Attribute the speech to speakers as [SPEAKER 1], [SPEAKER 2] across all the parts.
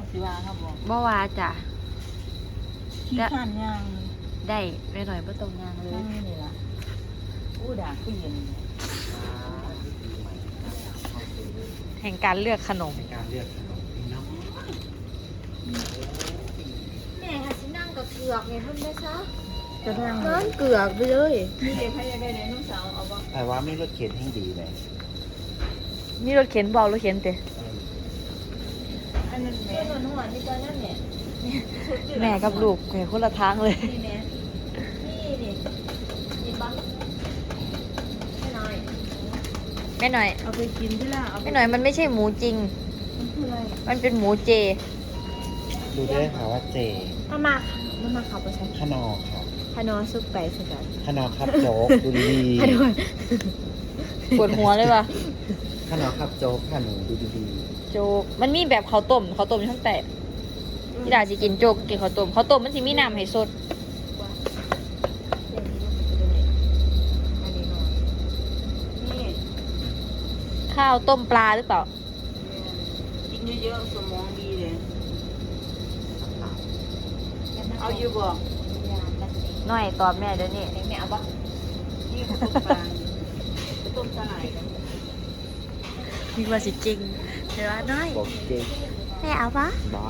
[SPEAKER 1] สิว่าครับบอก
[SPEAKER 2] บ่ว่าจ้ะ
[SPEAKER 1] ขี้ข้านย่าง
[SPEAKER 2] ได้ไม่หน่อยบ่ต้องย่างเลย
[SPEAKER 1] นั่งนี่ล่ะอู้ด่าผู้เย็น
[SPEAKER 2] แห่งการเลือกขนม
[SPEAKER 3] ในการเลือกขนมพี่น้อง
[SPEAKER 2] แม่ค่ะสินั่งกับเกือกไงเพิ่นได้ซะ
[SPEAKER 1] จะทาง
[SPEAKER 2] นั่นเกือกไปเลย
[SPEAKER 1] มีเด็กใครอยากได้ไดโนเสาร์เอาบ่
[SPEAKER 3] แต่ว่าไม่รถเข็นให้ดีเลย
[SPEAKER 2] มีรถเข็นบ่รถเข็นเตะ
[SPEAKER 1] อันนั้นแม่
[SPEAKER 2] หนวดนี่ก็นั่นแหละแม่กับลูกแม่คนละทางเลย
[SPEAKER 1] นี่แม่
[SPEAKER 2] นี่กินบ้างแม่หน่อย
[SPEAKER 1] เอาไปกินที่ล่ะเอาไป
[SPEAKER 2] แม่หน่อยมันไม่ใช่หมูจริง
[SPEAKER 1] มันคืออะไร
[SPEAKER 2] มันเป็นหมูเจ
[SPEAKER 3] ดูได้ค่ะว่าเจ
[SPEAKER 2] มาขับไปใช้
[SPEAKER 3] ขนอครับ
[SPEAKER 2] พานอซุปไก่สกัด
[SPEAKER 3] ขนอครับโจ๊กดูดี
[SPEAKER 2] พานอปวดหัวเลยว่ะ
[SPEAKER 3] ขนอครับโจ๊กค่ะหนูดูดี
[SPEAKER 2] โจ๊กมันมีแบบข้าวต้มอยู่ทั้งแต่ที่ดาสิกินโจ๊กกินข้าวต้มมันสิมีน้ำให้สด
[SPEAKER 1] นี่
[SPEAKER 2] ข้าวต้มปลาหรือเปล่า
[SPEAKER 1] กินเยอะๆสมองดีเลยเอาอยู่บ่
[SPEAKER 2] หน่อยตอบแม่เดี๋ยวนี้
[SPEAKER 1] แม่เอาบ่นี่ต้มปลาต้มสลายกัน
[SPEAKER 2] คิดว่าสิจริงเดี๋ยวน้อย
[SPEAKER 3] ๆบอกเจ
[SPEAKER 2] แม่เอาปะ
[SPEAKER 3] บ้า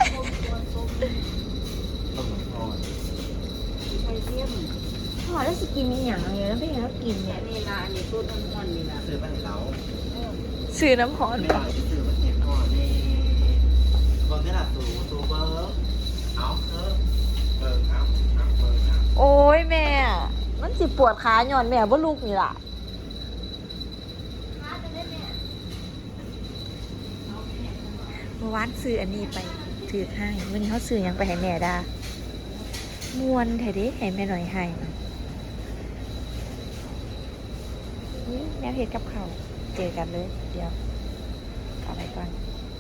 [SPEAKER 3] ต้องทอด
[SPEAKER 1] ไข่เทียม
[SPEAKER 2] พ่อแล้วสิกินมีอย่างไรแล้วไม่แล้วกินเนี่ย
[SPEAKER 1] นี่ล่ะอันนี้ต้นอ่อนๆนี่ล่ะ
[SPEAKER 3] ซื้อบ้านเรา
[SPEAKER 2] ซื้อน้ำหอม
[SPEAKER 3] ไม่หลังซื้อบ้านเห็ดอ่อนในเบิร์นี่แหละสูเบิร์เอาเบิร์เบิร์ครับเบิร์ครับ
[SPEAKER 2] โอ้ยแม่ มันสิปวดขาหย่อนแม่บ่ลูกนี่ล่ะเมื่อวานซื้ออันนี้ไปถือให้วันนี้เขาซื้อหยังไปให้แม่ดามวนแท้เดิให้แม่หน่อยให้อุ๊ยแนวเห็ดกับเขาวเจอกันเลย เดี๋ยวเอาไปก่อน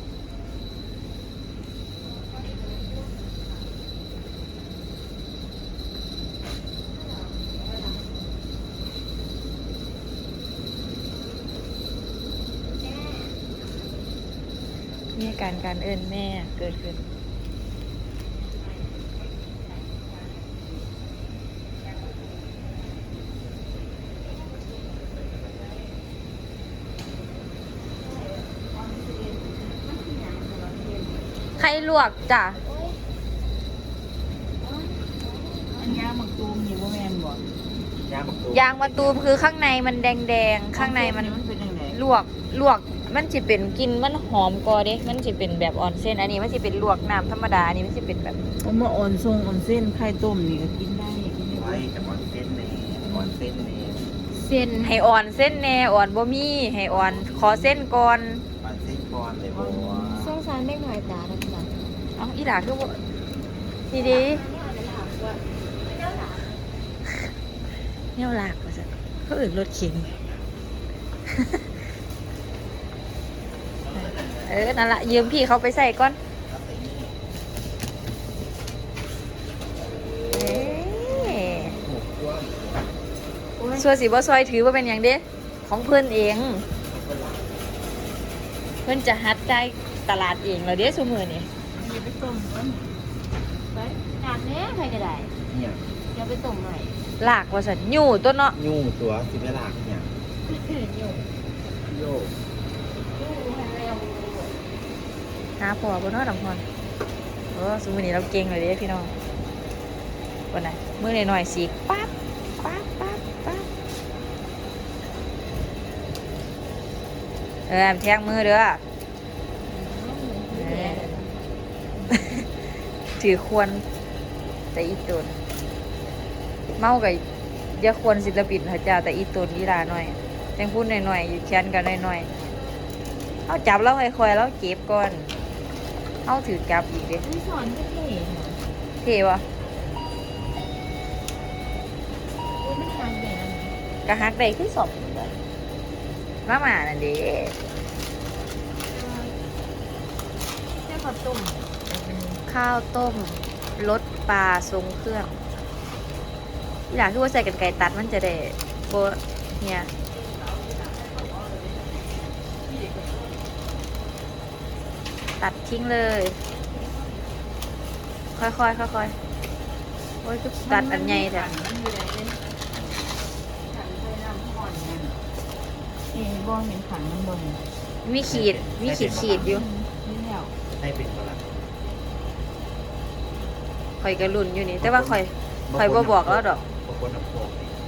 [SPEAKER 2] มีอาการเอิ้นแม่เกิดขึ้นไข่ลวกจ้ะ
[SPEAKER 1] อันยาหมักตูมนี่บ่แม่นบ่
[SPEAKER 3] ย่างตัวย
[SPEAKER 2] างมะตูมคือข้างในมันแดงๆ ข้างในมัน
[SPEAKER 1] เป็นจังได๋
[SPEAKER 2] ลวกมันจะเป็นกินมันหอมกอเด้มันจะเป็นแบบออนเส้นอันนี้มันจะเป็นลวกน้ำธรรมดาอันนี้มันจะเป็นแบบ
[SPEAKER 1] เอามาอ่อนทรงอ่อนเส้นไข่ต้มนี่ก็กินได้กินได้
[SPEAKER 3] ไว้กับออนเส้นเนออนเส้นเน
[SPEAKER 2] เส้นให้อ่อนเส้นแน่อ่อนบ่มีให้อ่อนขอเส้นก่อน
[SPEAKER 3] ออนเส้นก่อนเลยบัว
[SPEAKER 2] สงสารไม่หน่อยตานะจ๊ะเอ้าอีหลาคือบ่ดีดีเนี่ยหลากว่าซั่นเขาอื่นรถเข็น นั่นละยืมพี่เขาไปใส่ก่อนเอ๊ะ
[SPEAKER 3] หมูกล้วย
[SPEAKER 2] ส่วนสีบ่ซอยถือว่าเป็นอย่างเด้ของเพื่อนเอง เพื่อนจะฮัดได้ตลาดเองแล้วเด้ซุมือนี่
[SPEAKER 1] อย่าไปต้มมัน
[SPEAKER 2] ไปหนักแน่ใครก็ได้
[SPEAKER 3] เนี่ย
[SPEAKER 2] อย่าไปต้มหน่อยลากว่าสันอยู่ตัวเนาะ
[SPEAKER 3] ยุ่งตัวสิเวลาเนี่ยโยก
[SPEAKER 2] หาพอบนนอดำพรซุมือนี้เราเก่งเลยเด้พี่น้องวันไหนมือหน่อยๆสีปั๊บปั๊บปั๊บปั๊บแทงมือเด้อถือควรแต่อีตุนเมากับอย่าควรศิลปินพระเจ้าแต่อีตุนอีลาหน่อยแตงพูดหน่อยๆอยู่แค้นกันหน่อยๆเอาจับแล้วค่อยๆแล้วเก็บก่อนเอาถือจับอีกเด้
[SPEAKER 1] ที่สอนก็เท่
[SPEAKER 2] เท่วะ
[SPEAKER 1] โอ้ยมันทางแดง
[SPEAKER 2] กระฮักได้ขึ้นสอบมาหมานั่นเด้
[SPEAKER 1] แค่ข้าวต้ม
[SPEAKER 2] ข้าวต้มรสปลาทรงเครื่องอีหลาคือว่าใส่กันไก่ตัดมันจะได้โบเนี่ยตัดทิ้งเลยค่อยๆค่อยๆโอ้ยก็ตัดอันใหญ่แท้
[SPEAKER 1] มันอยู่ไหนเลยขันไฟน้ำห่อนนั่นบ่เห็นขันมันบ่เห็น
[SPEAKER 2] มีขีดอยู่
[SPEAKER 1] นี่แล้ว
[SPEAKER 3] ให้เป็นกระลัง
[SPEAKER 2] ข่อยก็รุ่นอยู่นี่แต่ว่าข่อยบ่บอกแล้วดอก
[SPEAKER 3] บางคนน้ำโขก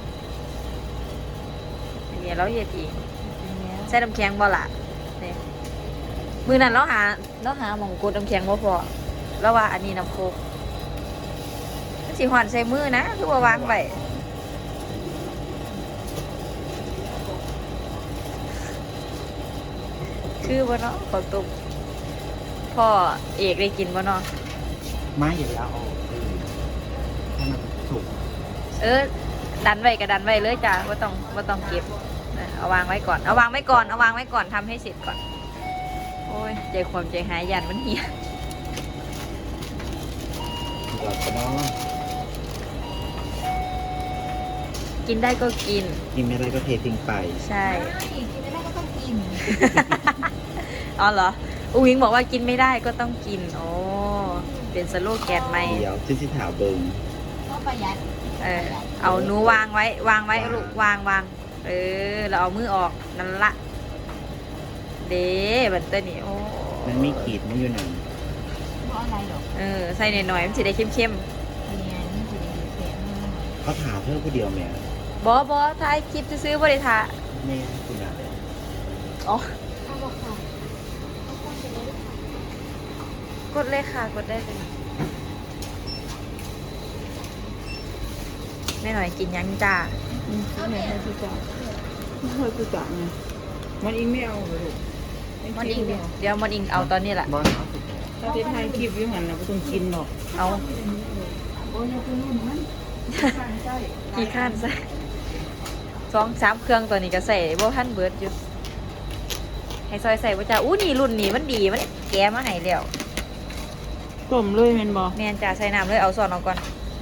[SPEAKER 2] อันนี้เราเฮ็ดเองใส่น้ำแข็งบ่ล่ะนี่มือนั้นเราหาหม่องกดน้ำแข็งบ่พอแล้วว่าอันนี้น้ำโคกมันสิหวานใส่มือนะคือว่าวางไว้คือบ่เนาะขอตุกพ่อเอกได้กินบ่เนาะ
[SPEAKER 3] ไม้อยู่แล้วเอาให้มันสุก
[SPEAKER 2] ดันไว้ก็ดันไว้เลยจ้ะว่าต้องเก็บเอาวางไว้ก่อนเอาวางไว้ก่อนทำให้เสร็จก่อนโอ้ยใจความใจหายยันมันเหี่ย
[SPEAKER 3] เดี๋ยวก็น้อง
[SPEAKER 2] กินได้ก็กิน
[SPEAKER 3] กินไม่ได้ก็เททิ้งไป
[SPEAKER 2] ใช่
[SPEAKER 1] กินไม่ได้ก็ต้องกิน
[SPEAKER 2] อ๋อเหรออุ้งอิงบอกว่ากินไม่ได้ก็ต้องกินโอ้เป็นสโลแกนใหม่
[SPEAKER 3] เดี๋ยวที่ถามเบิง
[SPEAKER 1] ก็ประหยัด
[SPEAKER 2] เอาหนูวางไว้ลูกวางเราเอามือออกนั่นละเด้บันเตอร์นี่โอ้
[SPEAKER 3] มันไม่ขีดมันอยู่ไหน
[SPEAKER 1] เพราะอะไรหรอก
[SPEAKER 2] ใส่หน่อยๆมันจะได้เข้ม
[SPEAKER 1] เรียนจะได้เสียเงิน
[SPEAKER 3] เขาถามเพื่อผู้เดียวแม่
[SPEAKER 2] ๆบอท้ายคลิปซื้อๆบริทา
[SPEAKER 3] แม่คุณอะไร
[SPEAKER 2] อ๋อ
[SPEAKER 1] เอาบอกค่ะ
[SPEAKER 2] กดเลยค่ะกดได้เลยแม่หน่อยกินยังจ้า
[SPEAKER 1] ไม่ให้ผู้จ่ายไม่ให้ผู้จ่ายไงมันอิงไม่เอาเลย
[SPEAKER 2] มันอิงเดี๋ยวมันอิงเอาตอนนี้แหละ
[SPEAKER 3] บอลเอาสุด
[SPEAKER 1] ถ้าที่ไทยคลิปอยู่หันนะไม่ต้องกินหรอก
[SPEAKER 2] เอา
[SPEAKER 1] โอ้ยคุณนุ่นมันใช่
[SPEAKER 2] กี่ขั้นใส่2-3เครื่องตัวนี้ก็ใส่บ่ทันเบิดอยู่ให้ซอยใส่บ่จ้าอู้นี่รุ่นนี้มันดีมันแกะมาให้แล้ว
[SPEAKER 1] ต้มเลยแม่นบ่
[SPEAKER 2] แม่นจ้าใส่น้ำเลยเอาส่วนออกก่อน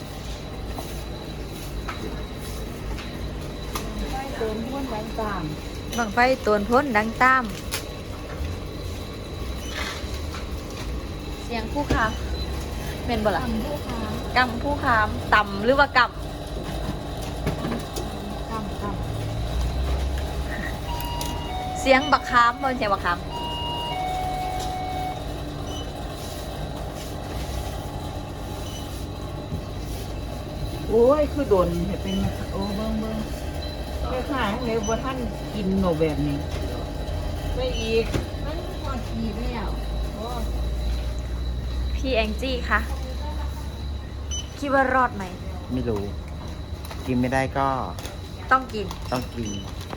[SPEAKER 1] เติมพ้นแรงต่าง
[SPEAKER 2] บังไฟตวนพ้นดังตามเสียงผู้ค้าเป็นบ่ล่ะ
[SPEAKER 1] ทำผู้ค้าก
[SPEAKER 2] ำผู้ค้ามต่ำหรือว่าก
[SPEAKER 1] กำ
[SPEAKER 2] ำเสียงบักค้ามบ่เสียงบักค้าม
[SPEAKER 1] โอ้ยคือโดนเห็นเป็นโอ้เบิ่งแค่ข้างเลยว่าท่านกินโนแบบนี้ไม่อีกมันพอดีแล้วโอ้
[SPEAKER 2] พี่แองจี้คะคิดว่ารอดไหม
[SPEAKER 3] ไม่รู้ กินไม่ได้ก็
[SPEAKER 2] ต้องกิน
[SPEAKER 3] ต้องกิน